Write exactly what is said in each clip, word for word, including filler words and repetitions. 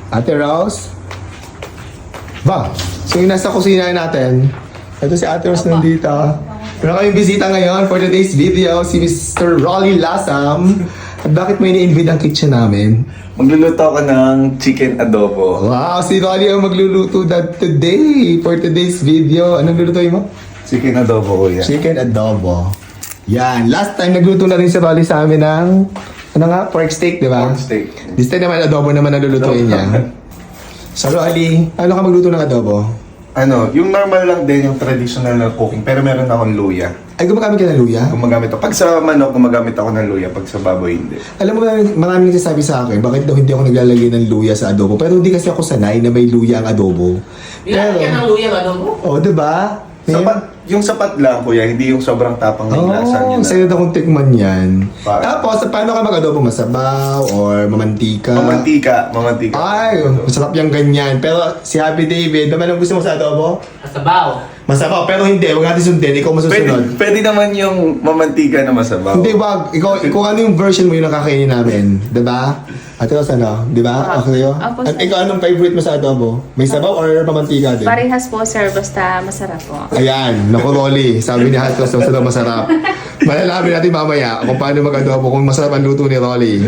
Ate Rose. Ba, so yung nasa kusina natin, ito si Ate Rose nandito. Meron kaming bisita ngayon for today's video, si Mister Rolly Lasam. At bakit may ini-invade ang kitchen namin? Magluluto ako ng chicken adobo. Wow, si Rolly ang magluluto that today for today's video. Anong lulutuin mo? Chicken adobo, kuya. Chicken adobo. Yan. Last time nagluto na rin si Rolly sa amin ng ano nga? Pork steak, di ba? Pork steak. This time naman adobo naman ang lulutuin niya. So Rolly, ano ka magluto ng adobo? Ano, yung normal lang din, yung traditional na cooking, pero meron akong luya. Ay, gumagamit ka ng luya? Gumagamit ako. Pag sa manok, gumagamit ako ng luya. Pag sa baboy, hindi. Alam mo, maraming, maraming nagsasabi sa akin, bakit daw hindi ako naglalagay ng luya sa adobo? Pero hindi kasi ako sanay na may luya ang adobo. Nilagyan ng luya ang adobo? Oo, oh, diba? Sapat, yung sapat lang, kuya, hindi yung sobrang tapang ng Oo, lasa oh, niya. excited akong tikman yan. Pa- Tapos, paano ka mag-adobo? Masabaw or mamantika? Mamantika, mamantika. Ay, masarap yung ganyan. Pero si Happy David, naman ang gusto mo sa adobo? Masabaw. Masabaw, pero hindi. Huwag natin sundin. Ikaw Pwede, masusunod. pwede naman yung mamantika na masabaw. Hindi, wag. Ikaw, ikaw ano yung version mo yung nakakainin namin? Diba? Ate Ros, ano? Diba? Okay yun? Opo, At sir. ikaw, anong favorite mo sa adobo? May sabaw or pamantika din? Parehas po, sir. Basta masarap po. Ayan, naku Rolly. Sabi ni Ate Ros, masarap, masarap. Malalaman natin mamaya kung paano mag-adobo, kung masarap ang luto ni Rolly.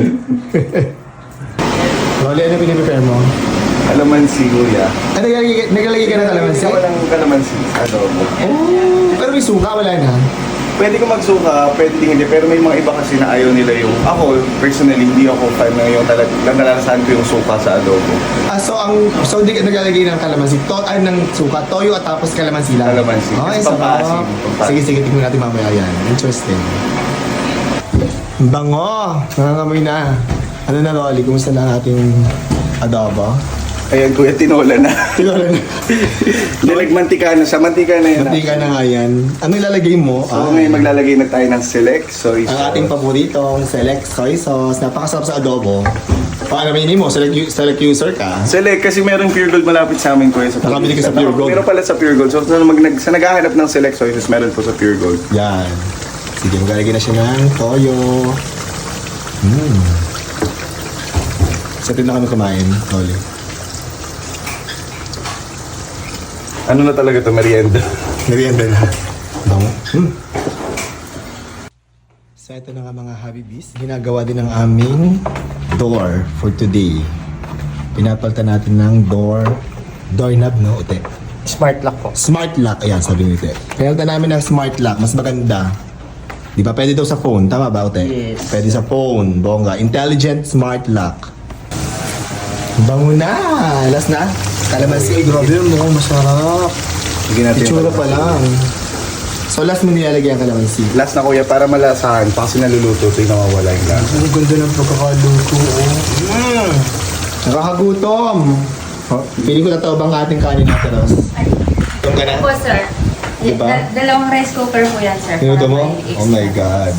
Rolly, ano piniprepare mo? Kalamansi, kuya. Ah, naglalagay, naglalagay ka ng kalamansi? Gusto ko ng kalamansi sa adobo. Oh, pero may suka, wala na. Pwede ko magsuka, pwede din hindi, pero may mga iba kasi na ayaw nila yung... Ako, personally, hindi ako fan na yung talagang nalalasahan ko yung suka sa adobo. Ah, so ang so hindi ka naglalagay ng kalamansi, to ay ng suka, toyo at tapos kalamansi lang. Kalamansi. Okay, Kasi so pampaasim, pampaasim. sige sige tingnan natin mamaya yan. Interesting. Bango, nangangamoy na. Ano na Rolly, kumusta na ang ating adobo? Ayan, kuya, tinola na. Tingnan na. Dilag mantika na siya. Mantika na yun. Hindi ka na nga yan. Ano ilalagay mo? So, Ah, ngayon maglalagay na tayo ng select soy sauce. ang ating paboritong select soy sauce. Napakasarap sa adobo. Paano may mo? Select, u- select user ka. Select kasi merong Pure Gold malapit sa amin, kuya. Sa Nakabili ka sa Pure Gold? Meron pala sa Pure Gold. So, sa, mag, nag, sa naghahanap ng select soy sauce, meron po sa Pure Gold. Yan. Sige, maglalagay na siya ng toyo. Hmm. Sa na kami kumain, Rolly. Ano na talaga to, merienda? Merienda na. Bango. Hmm. So ito na nga mga Habibis. Ginagawa din ng aming door for today. Pinapalitan natin ng door, doorknob, no, Ute? Smart lock po. Smart lock. Ayan, sabi ni Ute. Pinalitan namin ng smart lock. Mas maganda. Di ba? Pwede daw sa phone. Tama ba, Ute? Yes. Pwede sa phone. Bongga. Intelligent smart lock. Bango na! Last na? Kalamansi. Ay, grabe yun, no? Masarap. Sige natin. Itsura pa lang. So last mo nilalagay ang kalamansi. Last na, kuya, para malasahan. Pa kasi naluluto, so yung nawawala yung lasa. Ang ganda ng pagkakaluto, oh. Mm. Nakakagutom. Oh, piling ko na ito bang ating kanin natin, Ross? Ito ka na? Po, sir. Diba? Da- dalawang rice cooker po yan, sir. Pinuto Para mo? may Oh my extra. God.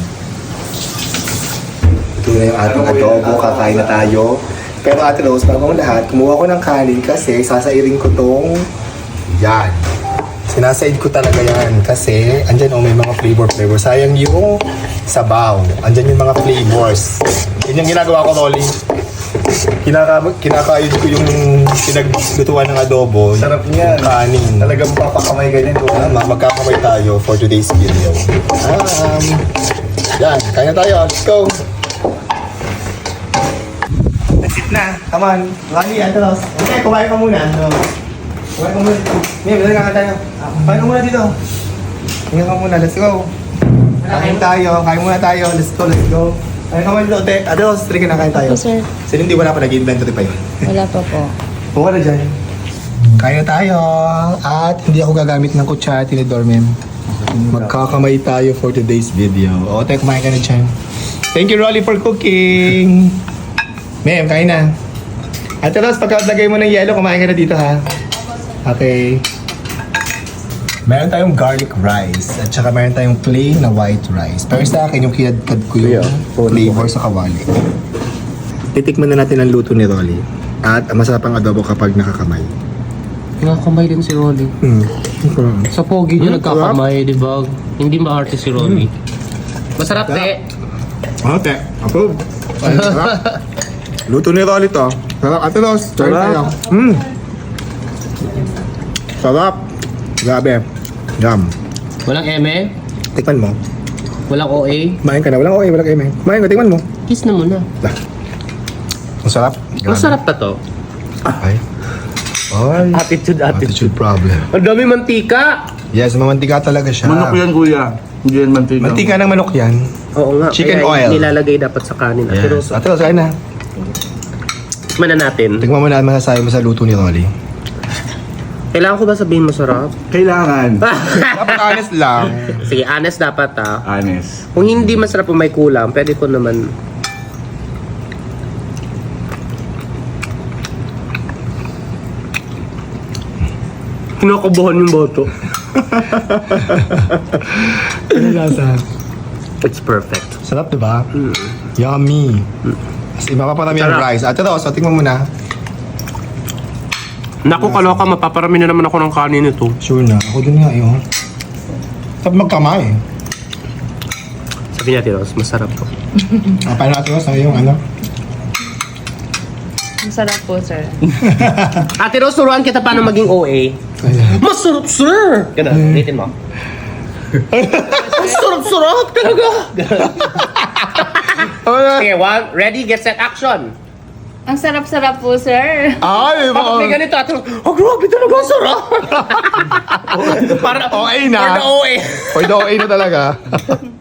Ito na yung ating adobo. Kakain na tayo. Pero Ate Rose, bago ang lahat, kumuha ko ng kanin kasi sasairin ko tong yan. Sinasaid ko talaga yan kasi andyan oh, may mga flavor flavor. Sayang yung sabaw. Andyan yung mga flavors. Yun yung ginagawa ko, Rolly. Kinaka kinakain ko yung pinaglutuan ng adobo. Sarap niyan. Yung kanin. Talagang papakamay ganyan, kuya. Tama, magkakamay tayo for today's video. Um, yan, kaya na tayo. Let's go! That's it na. Come on. Lagi, Antelos. Okay, kumain ka muna. So, kumain ka muna dito. Mia, bilhin ka tayo. Kumain ka muna dito. Kumain ka muna. Let's go. Kain tayo. Kain muna tayo. Let's go, let's go. Kain ka muna dito, te. Antelos, three ka na kain tayo. Opo, sir. Sino hindi wala pa nag-inventory pa yun? Wala pa po. Buka na dyan. Kaya tayo. At hindi ako gagamit ng kutsara, tinidor, ma'am. Magkakamay tayo for today's video. O, tayo kumain ka na dyan. Thank you, Rolly, for cooking. Ma'am, kain na. At Ross, pagkalagay mo ng yelo, kumain ka na dito, ha? Okay. Meron tayong garlic rice at saka meron tayong plain na white rice. Pero sa akin, yung kinadkad ko yung flavor sa kawali. Titikman na natin ang luto ni Rolly. At masarap ang adobo kapag nakakamay. Nakakamay din si Rolly. Mm. Sa pogi niya nagkakamay, di ba? Hindi maarte si Rolly. Masarap, te. Okay, approve. Masarap. Luto ni Rolly to. Sarap. Ate Ros, try Sarap. tayo. Mm. Sarap. Grabe. Yum. Walang eme, Tikman mo. walang O A. Kumain ka na. Walang okay, walang eme. Kumain ka, tikman mo. Kiss na muna. Ang sarap. Masarap pa to. Ay. Ay. Attitude, attitude. Attitude problem. Ang dami mantika! Yes, mamantika talaga siya. Manok yan, kuya. Hindi yan mantika. Mantika ng manok yan. Oo nga. Chicken kaya oil. nilalagay dapat sa kanin. At pero, Yes. Ate Ros, kain na. tikman na natin. Tikman mo na ang masasabi mo sa luto ni Rolly. Kailangan ko ba sabihin masarap? Kailangan. Dapat honest lang. Sige, honest dapat ah. Honest. Kung hindi masarap o may kulang, pwede ko naman... Kinakabahan yung boto. Ano lasa? It's perfect. Sarap, di ba? Yummy. As in, mapaparami ang Sarap. rice. Ate Ros, tingnan mo na. Naku, kaloka, mapaparami na naman ako ng kanin nito. Sure na. Ako din nga yun. Sarap magkamay. Sabi natin, Ross, masarap to. Ah, paano natin Ros? Ano yung ano? Masarap po, sir. Ate Ross, turuan kita paano maging O A. Ayan. Masarap, sir! Ganun, ulitin mo. Masarap-sarap talaga! Okay, one, ready, get set, action! Ang sarap-sarap po, sir. Ay, Bakit may ganito, Ate Ross? Oh, grabe talaga, ang sarap! Para, O A na. For the O A. For the O A na talaga.